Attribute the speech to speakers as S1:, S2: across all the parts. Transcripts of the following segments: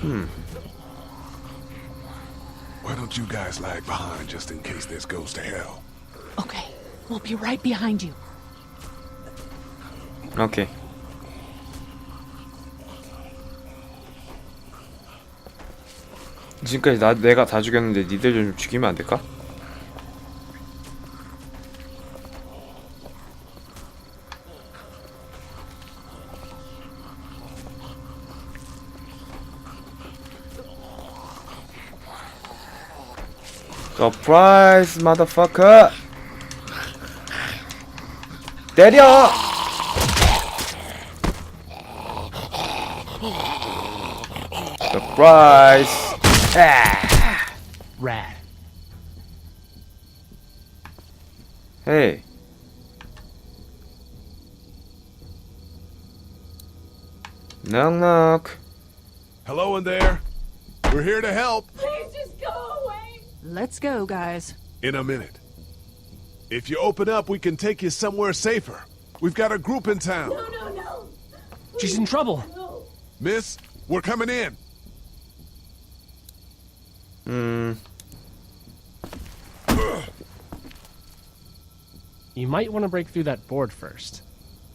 S1: Why don't you guys lag behind just in case this goes to hell?
S2: Okay, we'll be right behind you.
S3: 오케이. 지금까지 내가 다 죽였는데 니들 좀 죽이면 안 될까? 서프라이즈 마더퍼커. 때려. 서프라이즈.
S4: Rad.
S3: 헤이. knock.
S1: Hello in there. We're here to help.
S5: Please just go away.
S2: Let's go, guys.
S1: In a minute. If you open up, we can take you somewhere safer. We've got a group in town.
S5: No, no, no.
S4: She's in trouble.
S5: No.
S1: Miss, we're coming in.
S4: You might want to break through that board first.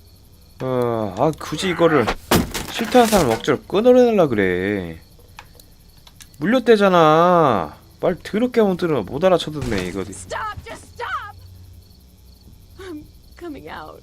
S3: 굳이 이거를 싫다는 사람 억지로 끊어내려 그래. 물렸대잖아. 말 더럽게 못 알아쳐듣네 이거.
S5: Stop, just stop. I'm coming out.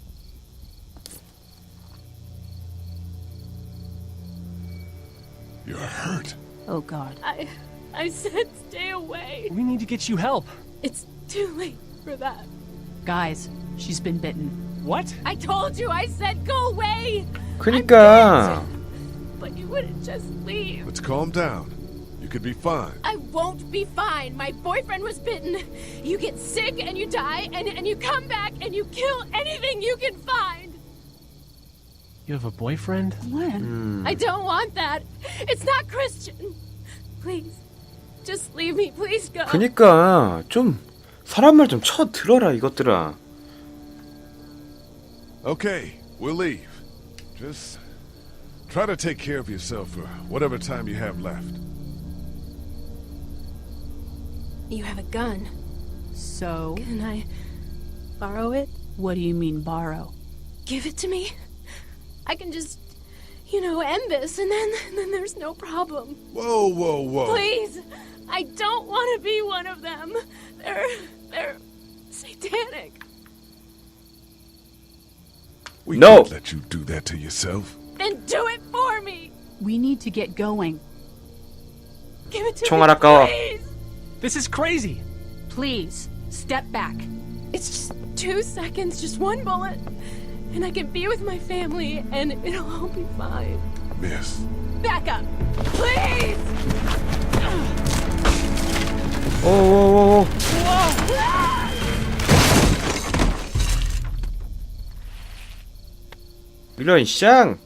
S1: You're hurt.
S2: Oh, God.
S5: I said stay away.
S4: We need to get you help.
S5: It's too late for that.
S2: Guys, she's been bitten.
S4: What?
S5: I told you, I said go away.
S3: 그니까
S5: But you wouldn't just leave.
S1: Let's calm down. You could be fine.
S5: I won't be fine. My boyfriend was bitten. You get sick and you die and you come back and you kill anything you can find.
S4: You have a boyfriend?
S2: When?
S5: I don't want that. It's not Christian. Please, just leave me. Please go.
S3: 그니까 좀 사람 말 좀 쳐 들어라 이것들아.
S1: Okay, we'll leave. Just try to take care of yourself for whatever time you have left.
S5: You have a gun.
S2: So,
S5: Can I borrow it?
S2: what do you mean borrow?
S5: Give it to me. I can just, end this, and then there's no problem.
S1: Whoa, whoa, whoa.
S5: Please, I don't want to be one of them. They're satanic.
S1: We
S3: No.
S1: can't let you do that to yourself.
S5: Then do it for me.
S2: We need to get going.
S5: Give it to
S3: 총알
S5: me,
S3: 아까워.
S5: please.
S4: This is crazy.
S2: Please, step back.
S5: It's just 2 seconds, just one bullet, and I can be with my family, and it'll all be fine.
S1: Miss.
S5: Back up, please.
S3: 오오오오. 이런 쌍.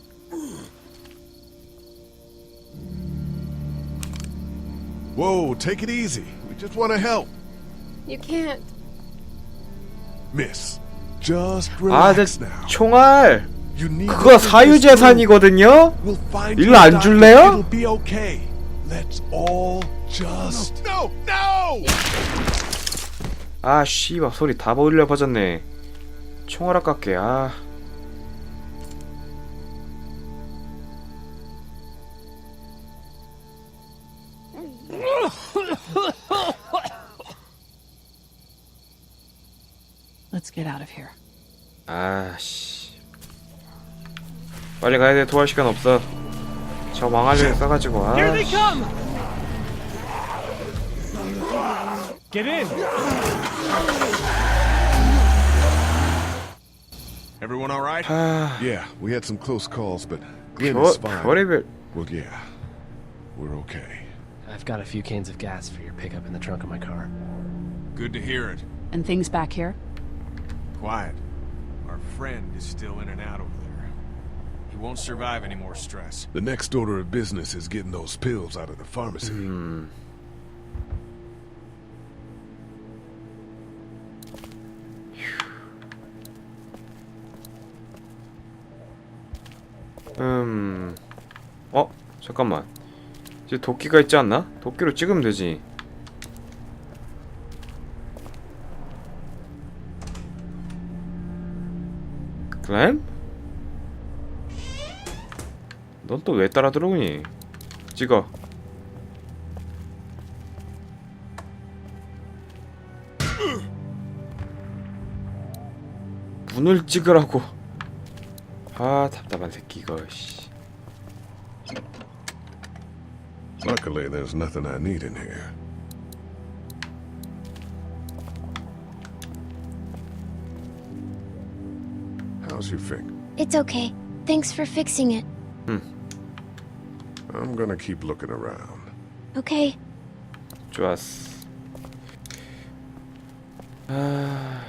S1: Whoa, take it easy. We just want to help.
S5: You can't.
S1: Miss, just
S3: 아,
S1: relax now.
S3: 총알.
S1: You need
S3: 그거
S1: to get this
S3: 사유재산이거든요.
S1: through. We'll find
S3: 이거
S1: you a
S3: 안
S1: doctor.
S3: 줄래요?
S1: It'll be okay. Let's all just. No, no!
S3: 아 씨발 소리 다 버리려 퍼졌네. 총알 아깝게. 아.
S2: Let's get out of here.
S3: 아씨. 빨리 가야 돼. 도할 시간 없어. 저 망할래 써가지고. 아.
S4: Here they come! Get in!
S1: Everyone all right?
S3: 아.
S1: Yeah, we had some close calls, but Glenn is fine.
S3: 별의별.
S1: Well, yeah, we're okay.
S4: I've got a few cans of gas for your pickup in the trunk of my car.
S6: Good to hear it.
S2: And things back here?
S6: Quiet. Our friend is still in and out over there. He won't survive any more stress.
S1: The next order of business is getting those pills out of the pharmacy.
S3: 잠깐만. 이제 도끼가 있지 않나? 도끼로 찍으면 되지. 클램? 넌 또 왜 따라 들어오니? 찍어. 문을 찍으라고. 아 답답한 새끼 이거. 씨.
S1: Luckily, there's nothing I need in here. How's your finger?
S7: It's okay. Thanks for fixing it.
S1: I'm gonna keep looking around.
S7: Okay.
S3: 좋았어. 아...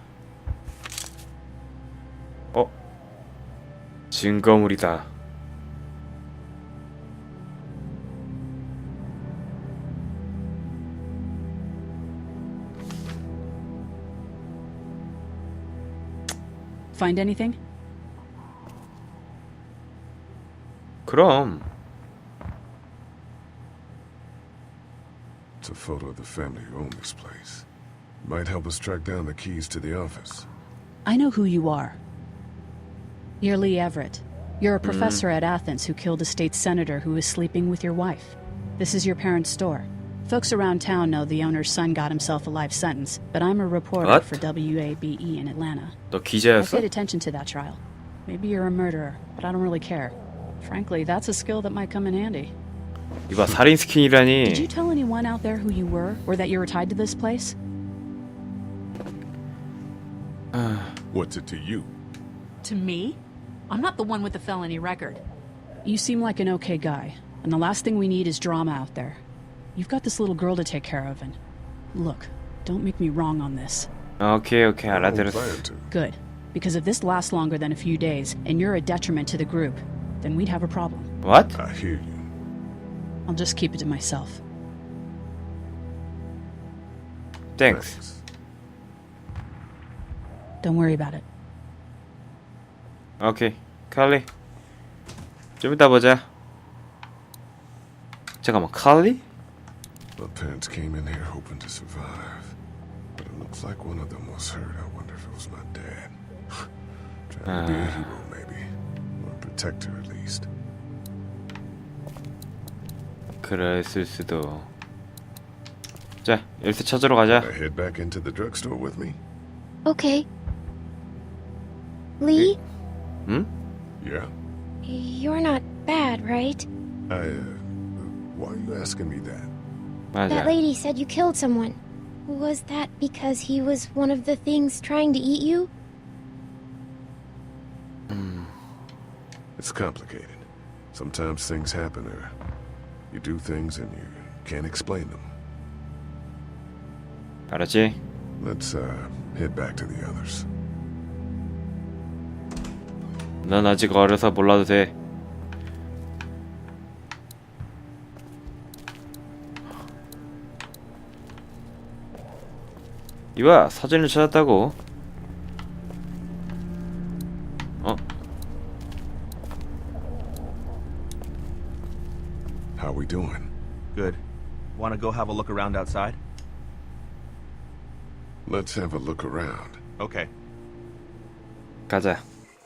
S3: 증거물이다.
S2: Find anything?
S3: 그럼
S1: It's a photo of the family who own this place. Might help us track down the keys to the office.
S2: I know who you are. You're Lee Everett. You're a professor at Athens who killed a state senator who was sleeping with your wife. This is your parents' store. Folks around town know the owner's son got himself a life sentence, but I'm a reporter
S3: What?
S2: for WABE in Atlanta.
S3: 너
S2: I
S3: 기자였어?
S2: paid attention to that trial. Maybe you're a murderer, but I don't really care. Frankly, that's a skill that might come in handy.
S3: 이봐 살인
S2: Did you
S3: 스킨이라니.
S2: tell anyone out there who you were, or that you were tied to this place?
S1: What's it to you?
S2: To me? I'm not the one with the felony record. You seem like an okay guy, and the last thing we need is drama out there. You've got this little girl to take care of, and look, don't make me wrong on this.
S3: 오케이
S1: I don't
S3: 알아들었어.
S1: plan to.
S2: Good, because if this lasts longer than a few days, and you're a detriment to the group, then we'd have a problem.
S3: What?
S1: I hear you.
S2: I'll just keep it to myself.
S3: Thanks.
S2: Don't worry about it.
S3: 오케이 칼리. 좀 이따 보자. 잠깐만 칼리?
S1: My parents came in here hoping to survive, but it looks like one of them was hurt. I wonder if it was my dad. Trying to be a hero, maybe, or a protector at least.
S3: 그랬을 수도. 자 열쇠 찾으러 가자.
S1: I head back into the drugstore with me?
S7: Okay. Lee,
S3: 응?
S1: Yeah.
S7: you're not bad, right?
S1: Why are you asking me that?
S3: 맞아.
S7: That lady said you killed someone. Was that because he was one of the things trying to eat you?
S1: It's complicated. Sometimes things happen, or you do things and you can't explain them.
S3: 알았지?
S1: Let's head back to the others.
S3: 넌 아직 어려서 몰라도 돼. 이봐 사진을 찾았다고. 어?
S1: How we doing?
S8: Good. Want to go have a look around outside?
S1: Let's have a look around.
S8: Okay.
S3: 가자.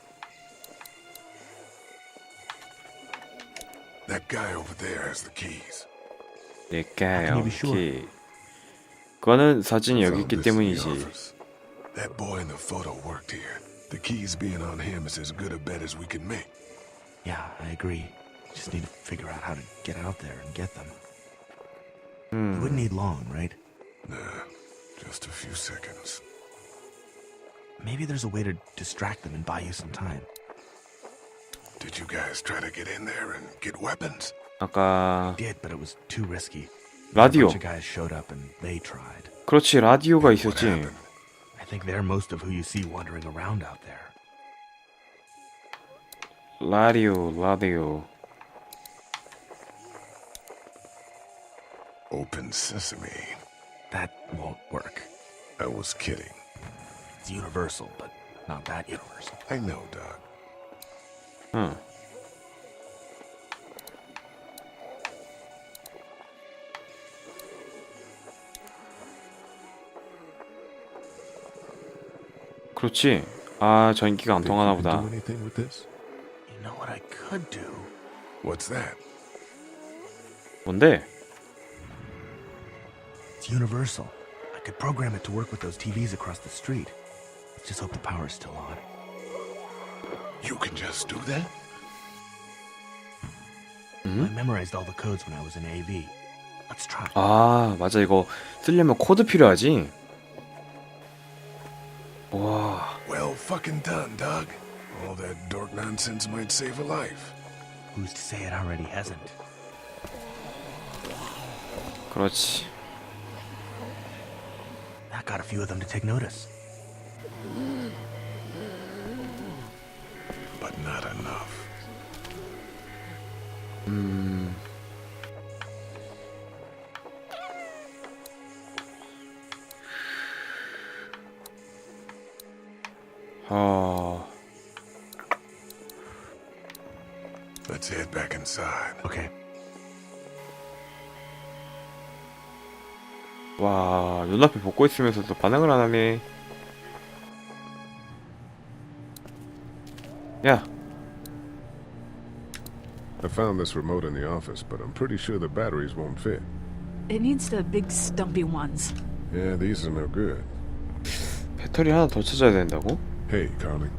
S1: That guy over there has the keys.
S3: 내가요.
S8: you be sure?
S3: 오케이. 그거는 사진이 여기
S1: Found
S3: 있기
S1: this in the
S3: 때문이지.
S1: office. That boy in the photo worked here. The keys being on him is as good a bet as we can make.
S8: Yeah, I agree. Just need to figure out how to get out there and get them. You wouldn't need long, right?
S1: Nah, just a few seconds.
S8: Maybe there's a way to distract them and buy you some time.
S1: Did you guys try to get in there and get weapons?
S3: 아까
S8: Did, but it was too risky. A
S3: 라디오.
S8: bunch of guys showed up and they tried.
S3: 그렇지 라디오가
S1: What
S3: 있었지.
S1: happened?
S8: I think they're most of who you see wandering around out there.
S3: 라디오.
S1: Open sesame.
S8: That won't work.
S1: I was kidding.
S8: It's universal, but not that universal.
S1: I know, Doc.
S3: 응. 그렇지. 아, 전기가 안
S1: Think
S3: 통하나
S1: you can
S3: 보다.
S1: do anything with this?
S8: You know what I could do?
S1: What's that?
S3: 뭔데?
S8: It's universal. I could program it to work with those TVs across the street. Let's just hope the power's still on.
S1: You can just do that?
S8: I memorized all the codes when I was in AV. Let's try.
S3: 아, 맞아. 이거 쓰려면 코드 필요하지. 와,
S1: Well fucking done, Doug. All that dork nonsense might save a life.
S8: Who's to say it already hasn't?
S3: 그렇지.
S8: That got a few of them to take notice.
S1: But not enough. Let's head back inside.
S8: Okay.
S3: 와, 눈앞에 벗고 있으면서도 반응을 안 하네. 야,
S1: I found this remote in the office, but I'm pretty sure the batteries won't fit.
S2: It needs the big stumpy ones.
S1: Yeah, these are no good.
S3: 배터리 하나 더 찾아야 된다고?
S1: Hey, Carly.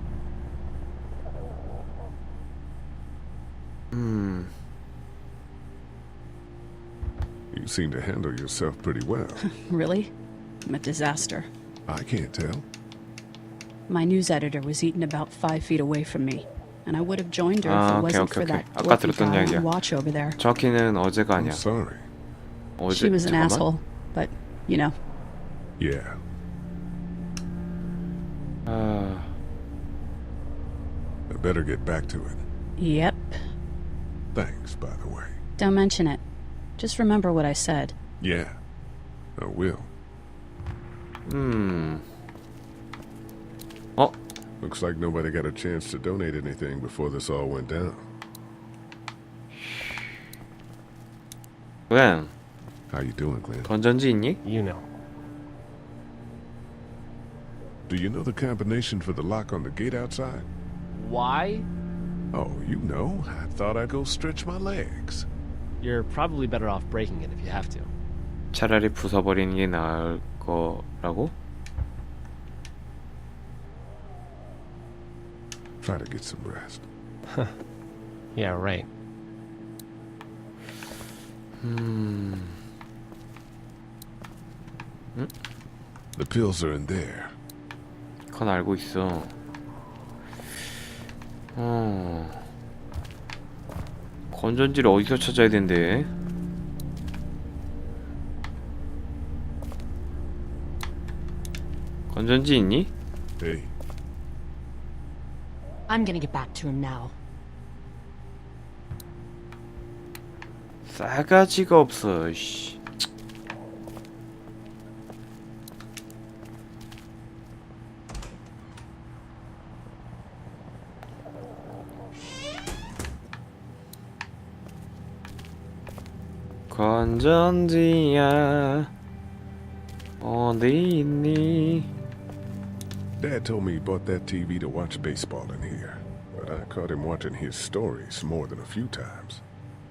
S1: You seem to handle yourself pretty well.
S2: Really? I'm a disaster.
S1: I can't tell.
S2: My news editor was eaten about 5 feet away from me, and I would have joined her if
S3: 아,
S2: it
S3: 오케이,
S2: wasn't
S3: 오케이,
S2: for
S3: 오케이.
S2: that
S3: 아까
S2: dwarfy
S3: 들었던
S2: guy
S3: 이야기야.
S2: on watch over there.
S3: 정확히는 어제가
S1: I'm
S3: 아니야.
S1: sorry.
S3: 어제.
S2: She was an
S3: 잠깐만.
S2: asshole, but, you know.
S1: Yeah.
S3: 아,
S1: I better get back to it.
S2: Yep.
S1: Thanks, by the way.
S2: Don't mention it. Just remember what I said.
S1: Yeah, I will.
S3: 어?
S1: Looks like nobody got a chance to donate anything before this all went down.
S3: Glenn,
S1: How you doing, Glenn?
S3: 건전지 있니?
S4: You know.
S1: Do you know the combination for the lock on the gate outside?
S4: Why?
S1: Oh, you know. I thought I'd go stretch my legs.
S4: You're probably better off breaking it if you have to.
S3: 차라리 부숴버리는 게 나을 거라고?
S1: Try to get some rest.
S4: Yeah, right.
S1: The pills are in there.
S3: 그건 알고 있어. 건전지를 어디서 찾아야 된대? 건전지 있니?
S1: Hey,
S5: I'm gonna get back to him now.
S3: 싸가지가 없어. 씨. 건전지야 어디 있니?
S1: Dad told me he bought that TV to watch baseball in here, but I caught him watching his stories more than a few times.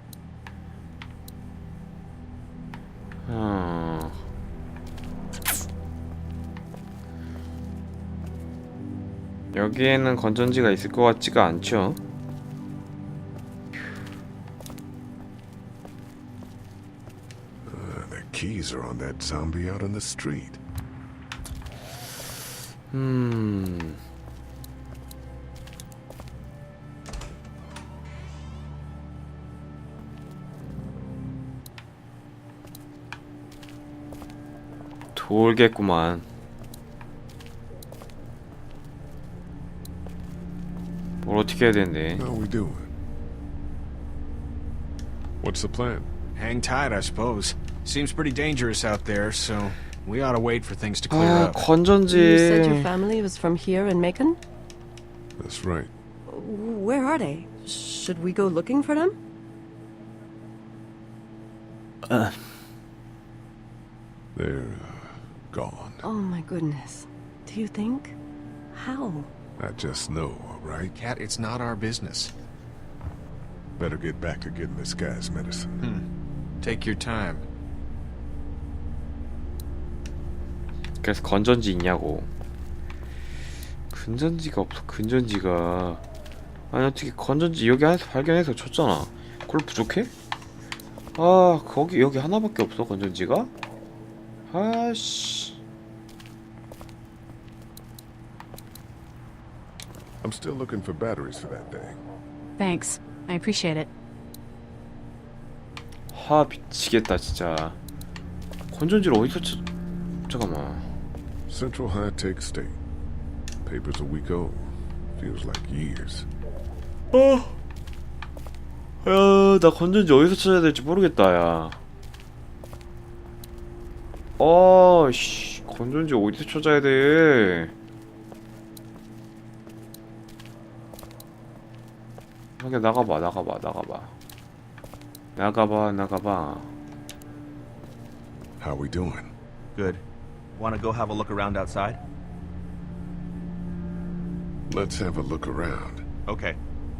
S3: 여기에는 건전지가 있을 것 같지가 않죠?
S1: The keys are on that zombie out on the street.
S3: 돌겠구만. 뭘 어떻게 해야 되는데?
S1: How we doing? What's the plan?
S6: Hang tight, I suppose. Seems pretty dangerous out there, so we ought to wait for things to clear
S3: 아,
S6: up.
S3: 건전지.
S9: You said your family was from here in Macon?
S1: That's right.
S9: Where are they? Should we go looking for them?
S1: They're gone.
S9: Oh my goodness. Do you think? How?
S1: I just know, all right?
S6: Cat, it's not our business.
S1: Better get back to getting this guy's medicine.
S6: Take your time.
S3: 그래서 건전지 있냐고. 근전지가 없어. 근전지가. 아니 어떻게 건전지 여기 안에서 발견해서 줬잖아. 그걸 부족해? 아 거기 여기 하나밖에 없어 건전지가? 아씨.
S1: I'm still looking for batteries for that thing.
S2: Thanks. I appreciate it.
S3: 하 미치겠다 진짜. 건전지를 어디서 잠깐만.
S1: Central High Tech State. Paper's a week old. Feels like years.
S3: 야, 나 건전지 어디서 찾아야 될지 모르겠다, 야. 씨, 건전지 어디서 찾아야 돼? 그냥 나가봐.
S1: How we doing?
S8: Good. Want to go have a look around outside?
S1: Let's have a look around.
S8: Okay.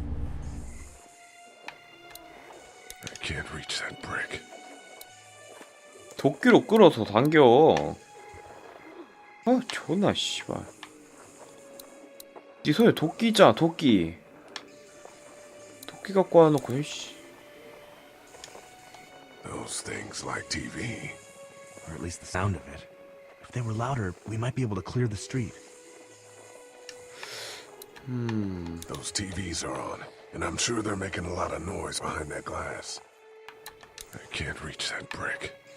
S1: I can't reach that brick.
S3: 도끼로 끌어서 당겨. 아, 존나 씨발. 네 손에 도끼 있잖아, 도끼. 도끼 갖고 와놓고, 씨.
S1: Those things like TV.
S8: Or at least the sound of it. If they were louder, we might be able to clear the street.
S1: Those TVs are on, and I'm sure they're making a lot of noise behind that glass. I can't reach that brick.